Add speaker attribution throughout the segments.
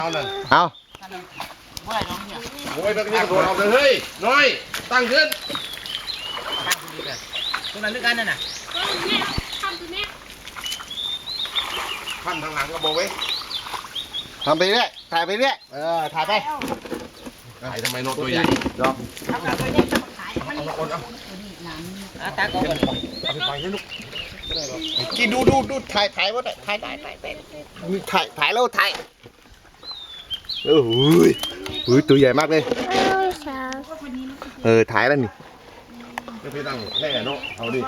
Speaker 1: เอาเลย
Speaker 2: เอา
Speaker 1: โอ้ยตรงนี้โดนเอาเลยเฮ้ยน้อยตั้งขึ้นตรงนั้นด้วยกันนั่นน่ะทำทางหลังก็บอกไว้
Speaker 2: ทำไปเรื่อยถ่ายไปเรื่อยถ่ายไป
Speaker 1: ถ่ายทำไมนกตัวใหญ่ดอกเอาตาก่อนเอาไปปล่อยให้ลูก
Speaker 2: กินดูถ่ายว่าถ่ายได้ถ่ายแล้วถ่ายโอ้ยตัวใหญ่มากเลยถ่ายแล้วนี่
Speaker 1: จะไปตั้งแค่เนาะเอาดิ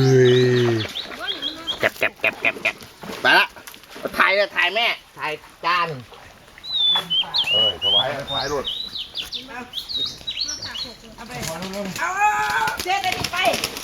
Speaker 2: แก็บไปละถ่ายเลยถ่ายแม่ถ่ายจาน
Speaker 1: ถวายรถ
Speaker 3: เอาเจ๊ได้ไป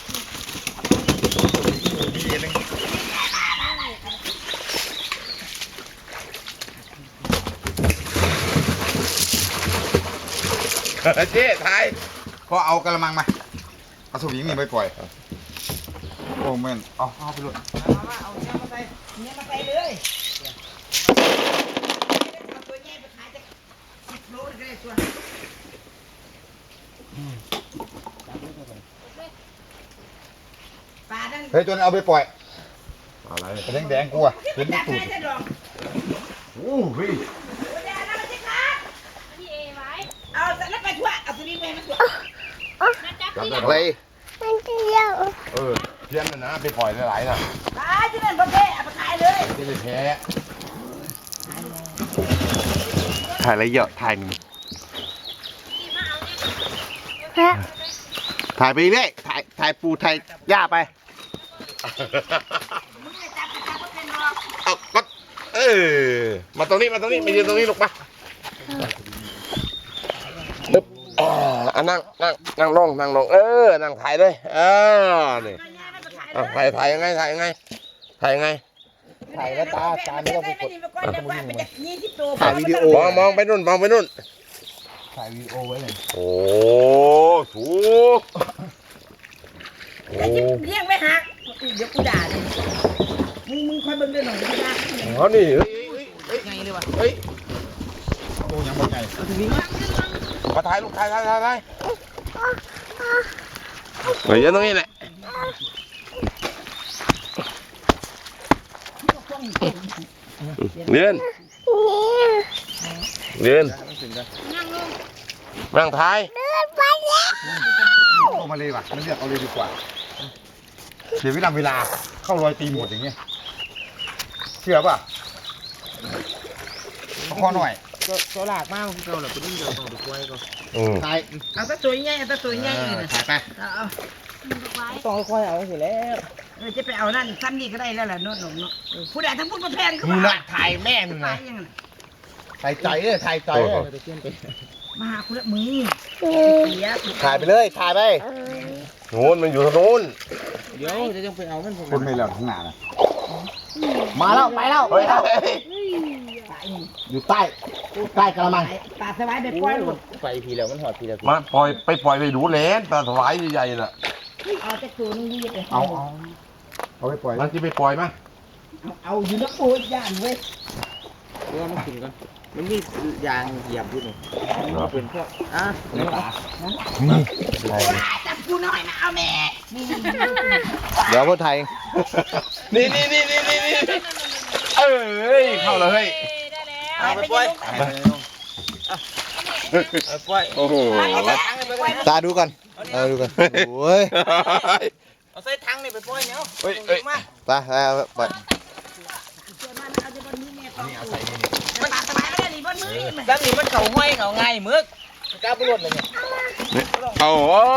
Speaker 1: เจ๊ถ่าย
Speaker 4: พอเอากระมังมาเอาสวิงนี่ไปปล่อยโอ้แม่นเอาไปเลย
Speaker 3: เอาเนี่ยมาใส่เลยเอาตัวใหญ่ไปขายจะ10 โลก็ได้ตัวปลาดัน
Speaker 4: เฮ้ยตัวนั้นเอาไปปล่อย
Speaker 1: อะไร
Speaker 4: แดงกูอ่ะเห็น
Speaker 3: จับ
Speaker 4: ตูด
Speaker 3: ได้จะดอง
Speaker 1: โอ้เฮ้ย
Speaker 3: เดี๋ยวนะมันจะขาดเอาแต่แล้วไปทั่วเอาตัวนี้ไปมันทั่ว
Speaker 1: จับได้
Speaker 2: อะไร
Speaker 1: เพี้ยนนะไปปล่อยหลายๆนะ
Speaker 3: ปลาที่นั่นประเภทเอาไปขายเลย
Speaker 1: จะไปแพ้
Speaker 2: ถ่ายอะไรเยอะถ่ายหนึ่งถ่ายไปเรื่อยถ่ายปูถ่ายหญ้าไป
Speaker 3: มึงจะจับก็เป็นรอก
Speaker 1: เอาก็มาตรงนี้มายืนตรงนี้ลูกปะตึ๊บนั่งลงนั่งถ่ายเลยนี่
Speaker 3: ตัวใหญ่มันไปขายเลย
Speaker 1: ถ่ายยังไงถ่ายแล้วตาไม่ต้องไปกด
Speaker 2: ถ่ายวิดีโอ
Speaker 1: มองไปนู่น
Speaker 4: ถ่ายวีดีโอไว้เลย
Speaker 1: โอ้ถูกโอ้
Speaker 3: เลี้ยงไม่หักเดี๋ยวกูด่าเลยมึงคอยเบิ่งด้วยหน่อยกูด่า
Speaker 1: เขานี่เ
Speaker 3: ไงเลยวะ
Speaker 1: ฮ้ย
Speaker 4: ตัวยังบ่ใหญ่
Speaker 1: มาถ่ายลูกถ่ายเฮ้ยตรงนี้แหละเรียนนั่งถ่าย
Speaker 4: เอามาเลยว่ะมันเลือกเอาเลยดีกว่าเดี๋ยวเวลาเข้ารอยตีหมดอย่างเงี้ยเชื่อป่ะเอาข้อหน่อย
Speaker 3: ตัวหลากมากเราเหลือตัวนี้เดียวต้องดูไว้ก็
Speaker 4: ถ่าย
Speaker 3: เอาตัวตัวใหญ่เอาตัวตัวใหญ่เลยนะ
Speaker 4: ถ่ายไป
Speaker 3: ต้องค่อยเอาสิแล้วจะไปเอานั่นซ้ำนี่ก็ได้แล้วแหละโน่นหนุ่มเนาะผู้ใดทั้งพูดมาแพงก็
Speaker 2: นู่น
Speaker 3: มา
Speaker 2: น่ะถ่ายแม่นู่น
Speaker 3: ไป
Speaker 2: น่ะ
Speaker 3: ยังไง
Speaker 2: ถ่ายใจถ่ายใจ
Speaker 3: มาหาคุณละมือเสีย
Speaker 2: ถ่ายไปเลยถ่ายไป
Speaker 1: โน่นมันอยู่ทางโน้น
Speaker 3: เดี๋ยวจะต้องไปเอามัน
Speaker 4: คนไม่เหลือข้างหน้านะ
Speaker 2: มาแล้วไปแล้ว
Speaker 1: เฮ้ย
Speaker 2: อยู่ใต้กระมัง
Speaker 3: ปลาสบายไปปล่อยลูก
Speaker 5: ไปพีแล้วมันหอดพีแล้ว
Speaker 1: มาปล่อยไปดูแลนปลาสวายใหญ่ๆน่ะ
Speaker 3: เอาแต่ตัวนึงดีเลย
Speaker 4: เอาไปปล่อย
Speaker 1: มันจะไปปล่อยมั้ย
Speaker 3: เอาอยู่นักปูย่านเว้ย
Speaker 5: เพื่อมันกินก่อนมันมียางเหยียบอยู่นี่เป็นพวก
Speaker 3: จับกูหน่อยนะเอาแม่
Speaker 2: เดี๋ยวพ่อไทย
Speaker 1: นี่เอ้ยเข้าเลยเฮ้ย
Speaker 3: เอาไปปล่อย
Speaker 5: ปล่อย
Speaker 1: โอ้โห
Speaker 2: ตาดูก่อนดูก่อนโอ้ย
Speaker 5: เอาใส่ถังนี่ไปปล่อยเนาะ
Speaker 1: เฮ้ย
Speaker 2: ไปไป
Speaker 3: มันปลาสบายได้ดีบนมือ
Speaker 5: ด้านนี้มันเข่าห้อยเข่าไงเมือกกล้าปลุดเลยเนี่ย
Speaker 1: เอา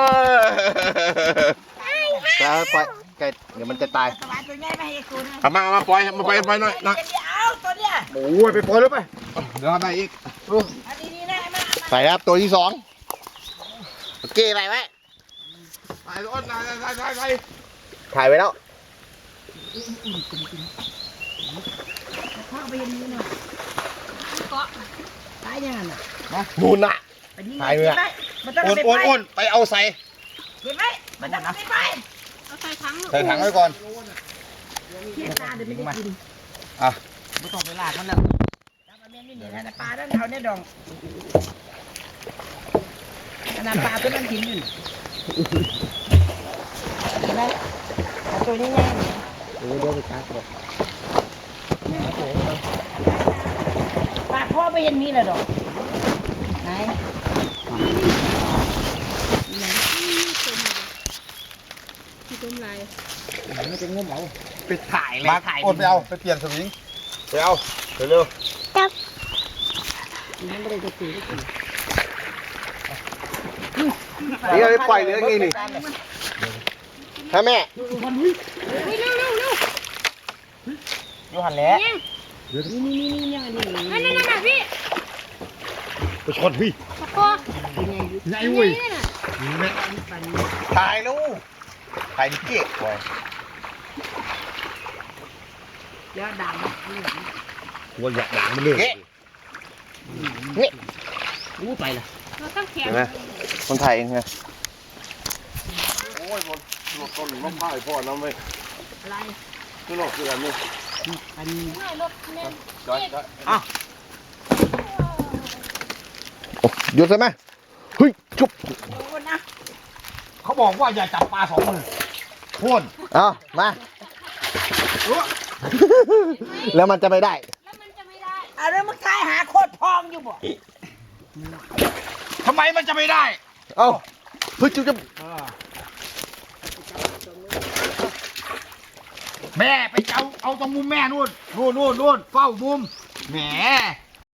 Speaker 2: ตาไปไก่เดี๋ยวมันจะตาย
Speaker 3: สบายตัวใหญ่มาให้กูนะ
Speaker 1: เอามาปล่อยหน่อยนะ
Speaker 3: เอาตัวเนี้ย
Speaker 4: โอ้ยไปปล่อยแล้วไปเดี๋ยวได้อีก
Speaker 3: อันนี้นะมา
Speaker 2: ใส่ครับตัวที่2โอเคไปไว้
Speaker 1: ถ่ายรถถ่าย
Speaker 2: ถ่ายไว้แล้ว
Speaker 3: เข้าไปยังนี้นะเกาะตายยังไงน่ะ
Speaker 2: นู่นน่ะ
Speaker 3: ไปนี่มันต้องไป
Speaker 4: อ้วนไปเอาใส่
Speaker 3: เก็บไว้มันต้องไปเอาใส่ถัง
Speaker 4: ใส่ถังไว้ก่อน
Speaker 3: เทียนตาเดี๋ยวไม่ได้กิน
Speaker 5: ไม่ต้องไปลากมันแล้ว
Speaker 3: จับมาแนี่นะปลาด้านเขาเนี่ยดองนาปลาตัวนั้นกินอยู่เห็นไหมตัวนี้ง่ายเดี๋ยวไปจับเลยปลาพ่อไปเห็นมีเลยดอกไหนไม่จะงมเอา
Speaker 2: ไปถ่ายเลย
Speaker 4: มา
Speaker 2: ถ่าย
Speaker 4: อดไปเอาไปเปลี่ยนสวิง
Speaker 2: ไปเอาเร็ว
Speaker 3: มันไม่ได้จะตีได้กิน
Speaker 2: ๆนี่เราไปปล่อยเรือไงนี่ฮะแม่
Speaker 5: ยูหันแล้ว
Speaker 3: นี่ยังไงดี
Speaker 6: นั่นพี่
Speaker 4: ไปชนพี่
Speaker 6: ตะโก
Speaker 4: ไงเว้ย
Speaker 2: ถ่ายลูกถ่ายดิเก๊กไว้
Speaker 3: แล้วด่าง
Speaker 4: กลัวอยากด่างมันเลย
Speaker 2: เก๊ก
Speaker 3: รู้ไปละ
Speaker 6: เราต้องแข็ง
Speaker 2: เห็นไหมคนถ่ายเองไง
Speaker 1: โอ้ยบนต้นมะพร้าวพ่อน้ำไม่
Speaker 3: อะไร
Speaker 1: นี่นอกคืออะไรนี่
Speaker 3: อันนี้
Speaker 6: ไม่รถเนี่ย
Speaker 1: จอยจอย
Speaker 2: หยุดใช่ไหมเฮ้ยจุ๊บ
Speaker 3: โอ้นะ
Speaker 4: เขาบอกว่าอย่าจับปลา2 มือพ่น
Speaker 2: เอามา แล้วมันจะไม่ได้
Speaker 6: แล้วมันจะไม่ได้
Speaker 3: เอาเรื่องมึงทายหาโคตรพองอยู่บ่
Speaker 4: ทำไมมันจะไม่ได้
Speaker 2: เอาเฮ้ยจุ๊บจุ๊บ
Speaker 4: แม่ไปเอาตรงมุมแม่นู่นเฝ้ามุมแหม